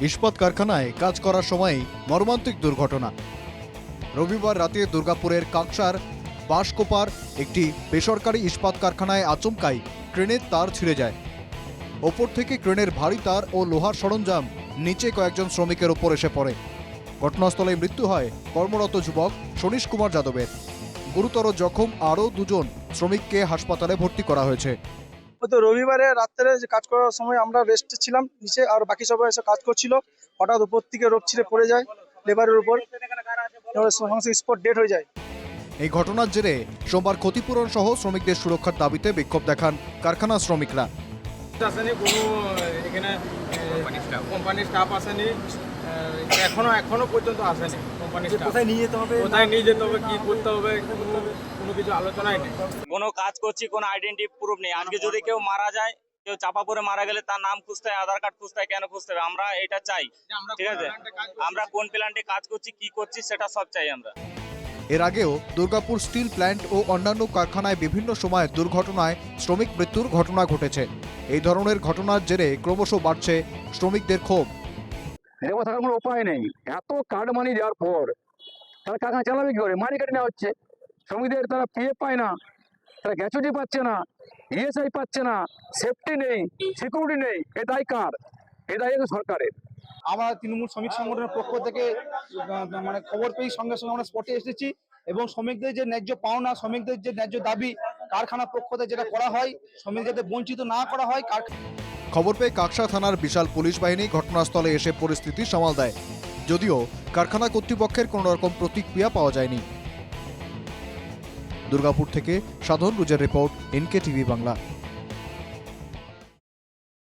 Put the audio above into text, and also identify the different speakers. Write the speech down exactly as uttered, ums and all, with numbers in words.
Speaker 1: ইস্পাত কারখানায় কাজ করার সময় মর্মান্তিক দুর্ঘটনা। রবিবার রাতে দুর্গাপুরের কাকসার বাঁশকোপার একটি বেসরকারি ইস্পাত কারখানায় আচমকাই ক্রেনের তার ছিঁড়ে যায়। ওপর থেকে ক্রেনের ভারী তার ও লোহার সরঞ্জাম নিচে কয়েকজন শ্রমিকের ওপর এসে পড়ে। ঘটনাস্থলে মৃত্যু হয় কর্মরত যুবক সনীশ কুমার যাদবের। গুরুতর জখম আরও দুজন শ্রমিককে হাসপাতালে ভর্তি করা হয়েছে।
Speaker 2: তো রবিবারে রাত্রে যে কাজ করার সময় আমরা রেস্টে ছিলাম নিচে, আর বাকি সবাই এসে কাজ করছিল। হঠাৎ উপর থেকে রোপ ছিঁড়ে পড়ে যায় লেবারের উপর, সমস্ত স্পট ডেড হয়ে যায়।
Speaker 1: এই ঘটনার জেরে সোমবার ক্ষতিপূরণ সহ শ্রমিকদের সুরক্ষার দাবিতে বিক্ষোভ দেখান কারখানা শ্রমিকরা।
Speaker 3: আসেনি কোনো, এখানে কোম্পানির স্টাফ আসেনি, এখনো এখনো পর্যন্ত আসেনি কোম্পানির স্টাফ।
Speaker 2: কোথায় নিয়ে যেতে হবে,
Speaker 3: কোথায় নিয়ে যেতে হবে, কি করতে হবে, কোনো কোনো কিছু আলোচনাই নেই।
Speaker 4: কোনো কাজ করছি, কোনো আইডেন্টি প্রুফ নেই। আজকে যদি কেউ মারা যায়, কেউ চাপা পড়ে মারা গেলে তার নাম খুঁজতে হয়, আধার কার্ড খুঁজতে হয়। কেন খুঁজতে হবে? আমরা এটা চাই, ঠিক আছে? আমরা কোন প্ল্যান্টে কাজ করছি, কি করছি, সেটা সব চাই আমরা।
Speaker 1: এর আগেও দুর্গাপুর স্টিল প্ল্যান্ট ও অন্যান্য কারখানায় বিভিন্ন সময় দুর্ঘটনায় শ্রমিক মৃত্যুর ঘটনা ঘটেছে। এই ধরনের ঘটনার জেরে ক্রমশ বাড়ছে শ্রমিকদের ক্ষোভ।
Speaker 5: লেবার থাকার কোনো উপায় নেই। এত কার্ড মানি দেওয়ার পর তারা কারখানা চালাবে কি করে? মানি কেটে নেওয়া হচ্ছে শ্রমিকদের। তারা পিএফ পায় না, তারা গ্যাচুইটি পাচ্ছে না, ইএসআই পাচ্ছে না, সেফটি নেই, সিকিউরিটি নেই। এ দায় কার? এ দায় সরকারের।
Speaker 2: আমরা তৃণমূল শ্রমিক সংগঠনের পক্ষ থেকে মানে খবর পেয়ে সঙ্গে সঙ্গে আমরা স্পটে এসেছি এবং শ্রমিকদের যে ন্যায্য পাওনা, শ্রমিকদের যে ন্যায্য দাবি কারখানা পক্ষ থেকে যেটা করা হয়, শ্রমিক যাতে বঞ্চিত না করা হয়।
Speaker 1: খবর পেয়ে কাকসা থানার বিশাল পুলিশ বাহিনী ঘটনাস্থলে এসে পরিস্থিতি সামাল দেয়। যদিও কারখানা কর্তৃপক্ষের কোনো রকম প্রতিক্রিয়া পাওয়া যায়নি। দুর্গাপুর থেকে সাধন রুজের রিপোর্ট, এনকে টিভি বাংলা।